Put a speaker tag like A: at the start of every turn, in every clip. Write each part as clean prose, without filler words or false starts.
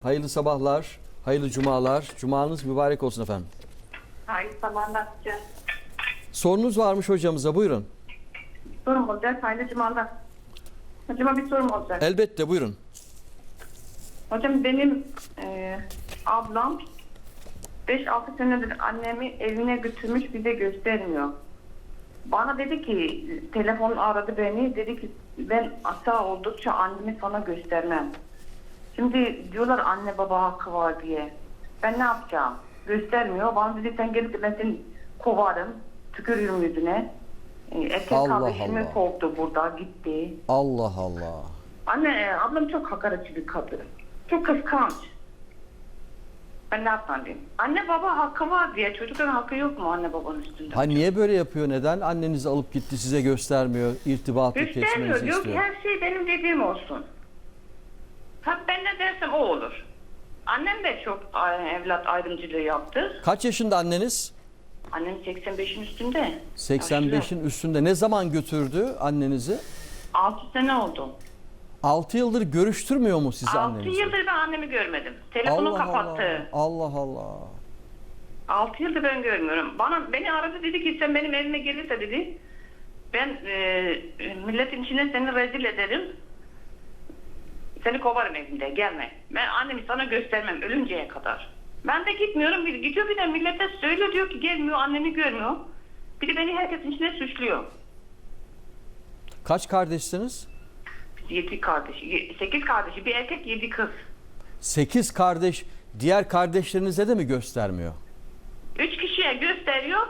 A: Hayırlı sabahlar, hayırlı cumalar. Cumanız mübarek olsun efendim.
B: Hayırlı sabahlar.
A: Sorunuz varmış hocamıza, buyurun.
B: Sorum olacak. Hayırlı cumalar. Hocama bir sorum olacak.
A: Elbette, buyurun.
B: Hocam benim ablam 5-6 senedir annemi evine götürmüş, bize göstermiyor. Bana dedi ki, telefon aradı beni, dedi ki ben sağ oldukça annemi sana göstermem. Şimdi diyorlar anne baba hakkı var diye. Ben ne yapacağım? Göstermiyor. Bana dedi sen gelip de ben seni kovarım, tükürürüm yüzüne. Erkek
A: Allah
B: kardeşimi
A: Allah.
B: kovdu burada, gitti.
A: Allah Allah.
B: Anne, ablam çok hakaretçi bir kadın. Çok kıskanç. Ben ne yapmam diyeyim? Anne baba hakkı var diye. Çocukların hakkı yok mu anne babanın üstünde?
A: Ha niye böyle yapıyor? Neden? Annenizi alıp gitti, size göstermiyor, irtibatı
B: Göstermiyor.
A: kesmenizi
B: Diyor ki
A: istiyor.
B: her şey benim dediğim olsun. Ha ben ne dersem o olur. Annem de çok evlat ayrımcılığı yaptı.
A: Kaç yaşında anneniz?
B: Annem 85'in üstünde.
A: 85'in üstünde. Ne zaman götürdü annenizi?
B: 6 sene oldu.
A: 6 yıldır görüştürmüyor mu sizi
B: 6
A: annenizi?
B: yıldır ben annemi görmedim. Telefonu
A: Allah
B: kapattı.
A: Allah. Allah Allah.
B: 6 yıldır ben görmüyorum. Beni aradı, dedi ki sen benim evime gelirse dedi ben milletin içine seni rezil ederim. Seni kovarım evimde, gelme. Ben annemi sana göstermem ölünceye kadar. Ben de gitmiyorum. Gidiyor bir de millete söylüyor, diyor ki gelmiyor, annemi görmüyor. Bir de beni herkesin içine suçluyor.
A: Kaç kardeşsiniz?
B: 7 kardeş, 8 kardeşi, bir erkek 7 kız.
A: 8 kardeş. Diğer kardeşlerinize de mi göstermiyor?
B: 3 kişiye gösteriyor.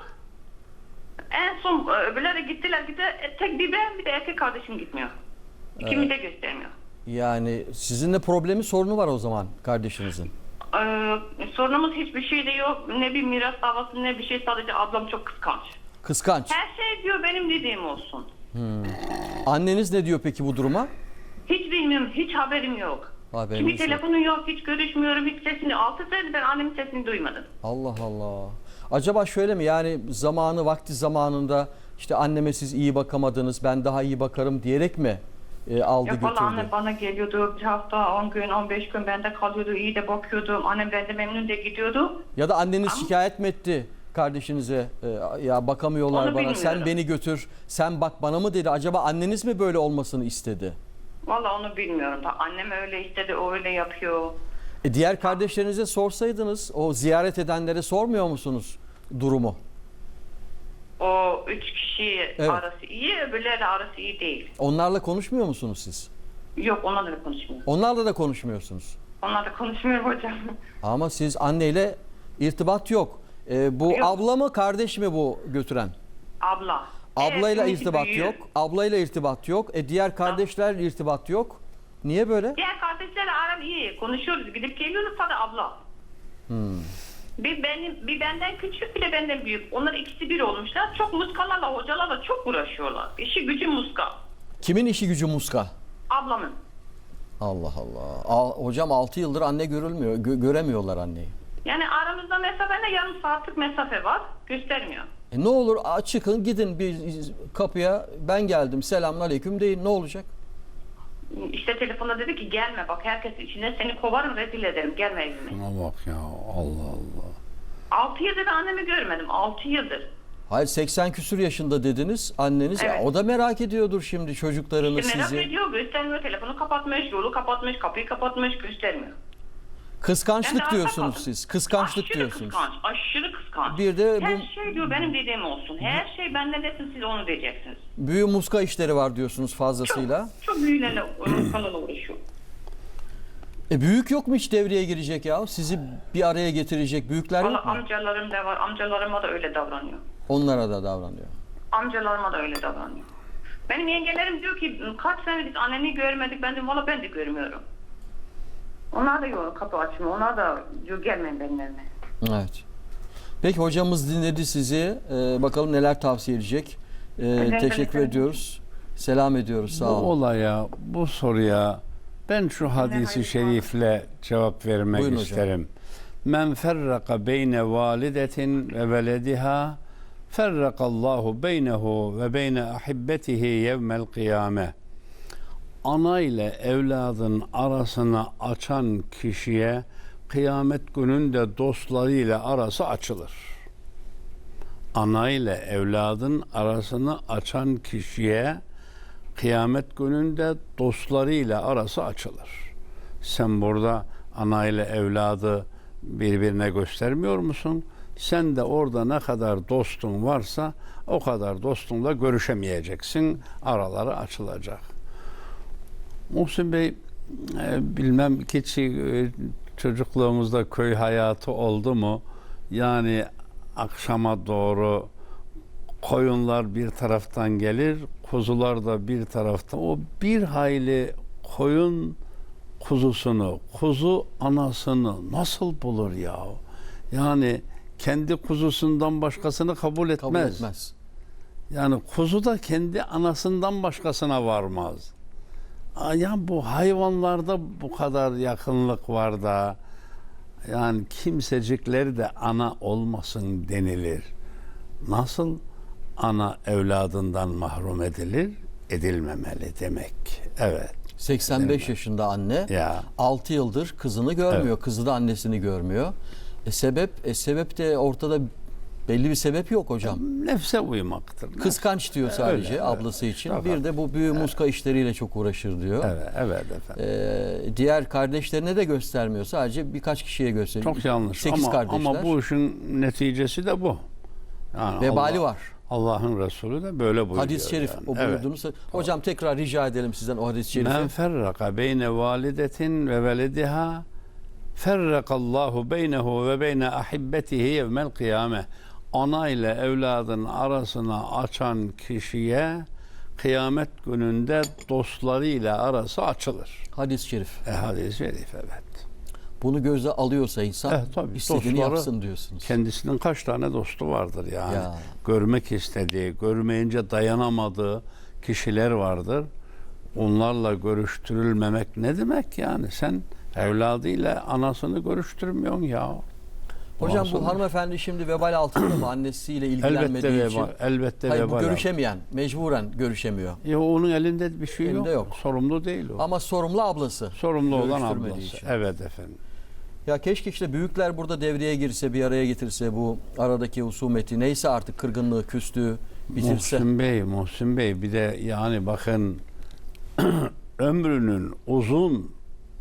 B: En son öbürleri gittiler. Tek bir ben, bir de erkek kardeşim gitmiyor. İkimiz de göstermiyor.
A: Yani sizinle problemi, sorunu var o zaman kardeşinizin.
B: Sorunumuz hiçbir şey de yok. Ne bir miras davası ne bir şey, sadece ablam çok kıskanç.
A: Kıskanç.
B: Her şey diyor benim dediğim olsun.
A: Anneniz ne diyor peki bu duruma?
B: Hiç bilmiyorum, hiç haberim yok.
A: Haberiniz
B: Kimi
A: yok.
B: telefonu yok, hiç görüşmüyorum, hiç sesini. 6 senedir ben annemin sesini duymadım.
A: Allah Allah. Acaba şöyle mi, yani vakti zamanında işte anneme siz iyi bakamadınız, ben daha iyi bakarım diyerek mi aldı
B: Yok valla
A: götürdü?
B: annem bana geliyordu, bir hafta 10 gün 15 gün bende kalıyordu, iyi de bakıyordu. Annem bende memnun de gidiyordu.
A: Ya da anneniz
B: Ama-
A: şikayet mi etti kardeşinize? Ya bakamıyorlar
B: Onu
A: bana, sen
B: bilmiyorum.
A: beni götür, sen bak bana mı dedi? Acaba anneniz mi böyle olmasını istedi?
B: Valla onu bilmiyorum da annem öyle istedi, o öyle yapıyor.
A: Diğer kardeşlerinize sorsaydınız, o ziyaret edenlere sormuyor musunuz durumu?
B: O 3 kişi
A: Evet.
B: arası iyi, öbürlerle arası iyi değil.
A: Onlarla konuşmuyor musunuz siz?
B: Yok, onlarla da konuşmuyor.
A: Onlarla da konuşmuyorsunuz.
B: Onlarla konuşmuyorum hocam.
A: Ama siz anneyle irtibat yok. Bu
B: Yok.
A: abla mı kardeş mi bu götüren?
B: Abla.
A: Ablayla
B: Evet,
A: irtibat
B: büyüğü.
A: yok. Ablayla irtibat yok. Diğer kardeşlerle irtibat yok. Niye böyle?
B: Diğer kardeşlerle aram iyi. Konuşuyoruz, gidip geliyoruz, sadece abla. Bir benden küçük, bir de benden büyük. Onlar ikisi bir olmuşlar. Çok muskalarla, hocalarla çok uğraşıyorlar. İşi gücü muska.
A: Kimin işi gücü muska?
B: Ablamın.
A: Allah Allah. Hocam 6 yıldır anne görülmüyor. Göremiyorlar anneyi.
B: Yani aramızda mesafe ne? Yarım saatlik mesafe var. Göstermiyor.
A: Ne olur çıkın gidin bir kapıya, ben geldim selamünaleyküm deyin, ne olacak?
B: İşte telefonda dedi ki gelme bak, herkes içinde seni kovarım, rezil ederim, gelme evime.
C: Şuna bak ya, Allah Allah.
B: 6 yıldır annemi görmedim, 6 yıldır.
A: Hayır, 80 küsur yaşında dediniz anneniz.
B: Evet.
A: O da merak ediyordur şimdi çocuklarını,
B: İşte merak
A: sizi.
B: ediyor, göstermiyor, telefonu kapatmış, yolu kapatmış, kapıyı kapatmış, göstermiyor. Ben
A: Kıskançlık
B: de
A: diyorsunuz
B: arka
A: siz. Kıskançlık
B: aşırı
A: diyorsunuz.
B: Kıskanç, aşırı kıskanç.
A: Bir de
B: her
A: bu
B: şey diyor benim dediğim olsun. Her şey bende desin, siz onu diyeceksiniz.
A: büyü muska işleri var diyorsunuz
B: Çok,
A: fazlasıyla.
B: çok büyülerle kanala uğraşıyor.
A: Büyük yok mu hiç devreye girecek ya? Sizi bir araya getirecek büyükler
B: Valla
A: yok mu?
B: amcalarım da var, amcalarıma da öyle davranıyor.
A: Onlara da davranıyor.
B: Amcalarıma da öyle davranıyor. Benim yengelerim diyor ki kaç sene biz anneni görmedik. Ben diyorum valla ben de görmüyorum. Onlar da yok, kapı açmıyor. Onlar da diyor gelmeyin benim evime.
A: Evet. Peki hocamız dinledi sizi. Bakalım neler tavsiye edecek. Teşekkür
B: ederim.
A: ediyoruz. Selam ediyoruz. Sağ
C: Bu
A: olun.
C: olaya, bu soruya ben şu hadisi
B: hayır,
C: şerifle cevap vermek
A: Buyurun hocam.
C: isterim. Men ferraka beyne validetin ve velediha ferrakallahu beynehu ve beyne ahibbetihi yevmel kıyame. ana ile evladın arasını açan kişiye kıyamet gününde dostlarıyla arası açılır. Ana ile evladın arasını açan kişiye kıyamet gününde dostlarıyla arası açılır. Sen burada ana ile evladı birbirine göstermiyor musun? Sen de orada ne kadar dostun varsa o kadar dostunla görüşemeyeceksin. Araları açılacak. Muhsin Bey, bilmem hiç çocukluğumuzda köy hayatı oldu mu? Yani akşama doğru koyunlar bir taraftan gelir, kuzular da bir taraftan. O bir hayli koyun kuzusunu, kuzu anasını nasıl bulur ya? Yani kendi kuzusundan başkasını kabul etmez.
A: Kabul etmez.
C: Yani kuzu da kendi anasından başkasına varmaz. Ya bu hayvanlarda bu kadar yakınlık var da yani kimsecikleri de ana olmasın denilir. Nasıl ana evladından mahrum edilir? Edilmemeli demek. Evet.
A: 85 yaşında anne.
C: Ya.
A: 6 yıldır kızını görmüyor.
C: Evet.
A: Kızı da annesini görmüyor. Sebep de ortada, belli bir sebep yok hocam.
C: Nefse uymaktır.
A: Kıskanç diyor sadece
C: Öyle,
A: ablası
C: evet.
A: için.
C: Tabii.
A: Bir de bu büyü muska işleriyle çok uğraşır diyor.
C: Evet efendim.
A: Diğer kardeşlerine de göstermiyor. Sadece birkaç kişiye gösteriyor.
C: Çok yanlış.
A: 8 kardeşler.
C: Ama bu işin neticesi de bu. Yani
A: Vebali var.
C: Allah'ın Resulü de böyle buyuruyor.
A: Hadis-i şerif
C: yani.
A: o buyurduğunuz. Hocam tekrar rica edelim sizden o hadis-i şerifi.
C: Men ferraka beyne validetin ve velediha ferrakallahu beynehu ve beyne ahibbetihi yevmel kıyame. Ana ile evladın arasını açan kişiye kıyamet gününde dostlarıyla arası açılır.
A: Hadis-i şerif.
C: Hadis-i şerif, evet.
A: Bunu göze alıyorsa insan
C: Tabii,
A: istediğini
C: dostları,
A: yapsın diyorsunuz.
C: Kendisinin kaç tane dostu vardır yani.
A: Ya.
C: Görmek istediği, görmeyince dayanamadığı kişiler vardır. Onlarla görüştürülmemek ne demek yani? Sen evladıyla anasını görüştürmüyorsun ya.
A: Hocam bu
C: Nasıl?
A: hanımefendi şimdi vebal altında mı annesiyle ilgilenmediği
C: Elbette
A: için?
C: vebal. Elbette
A: Hayır,
C: vebal.
A: bu görüşemeyen, mecburen görüşemiyor.
C: Ya onun elinde bir şey
A: Elinde yok.
C: Sorumlu değil o.
A: Ama sorumlu ablası.
C: Sorumlu olan
A: Görüştürmediği
C: ablası.
A: için.
C: Evet efendim.
A: Ya keşke işte büyükler burada devreye girse, bir araya getirse, bu aradaki husumeti neyse artık, kırgınlığı, küslüğü bitirse.
C: Muhsin Bey bir de yani bakın ömrünün uzun,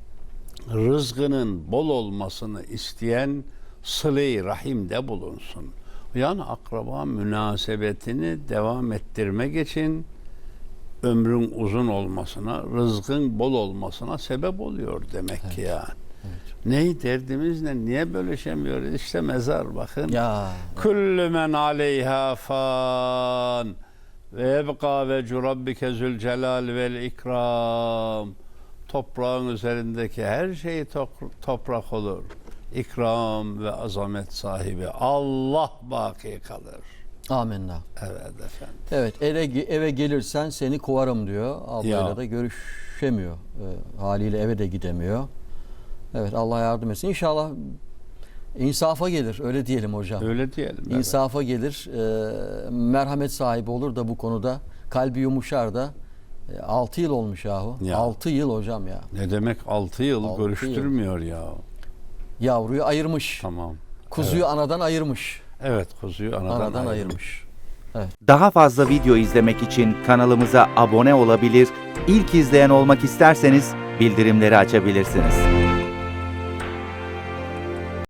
C: rızkının bol olmasını isteyen sıle-i rahimde bulunsun. Yani akraba münasebetini devam ettirmek için ömrün uzun olmasına, rızkın bol olmasına sebep oluyor demek ki yani.
A: Evet.
C: Ne derdimiz ne? Niye bölüşemiyoruz? İşte mezar bakın.
A: Ya.
C: Kullu men aleyha fan ve yebqa vecu rabbike zülcelal vel ikram. Toprağın üzerindeki her şey toprak olur. İkram ve azamet sahibi Allah baki kalır.
A: Amenna.
C: Evet efendim.
A: Evet, eve gelirsen seni kovarım diyor. Ablayla
C: Ya.
A: da görüşemiyor. Haliyle eve de gidemiyor. Evet, Allah yardım etsin. İnşallah insafa gelir. Öyle diyelim hocam.
C: Öyle diyelim. Evet.
A: İnsafa gelir. Merhamet sahibi olur da bu konuda. Kalbi yumuşar da. 6 yıl olmuş yahu.
C: Ya.
A: 6 yıl hocam ya.
C: Ne demek 6 yıl
A: 6
C: görüştürmüyor ya.
A: Yavruyu ayırmış.
C: Tamam.
A: Kuzuyu anadan ayırmış.
C: Evet kuzuyu anadan
A: ayırmış.
D: Daha fazla video izlemek için kanalımıza abone olabilir, ilk izleyen olmak isterseniz bildirimleri açabilirsiniz.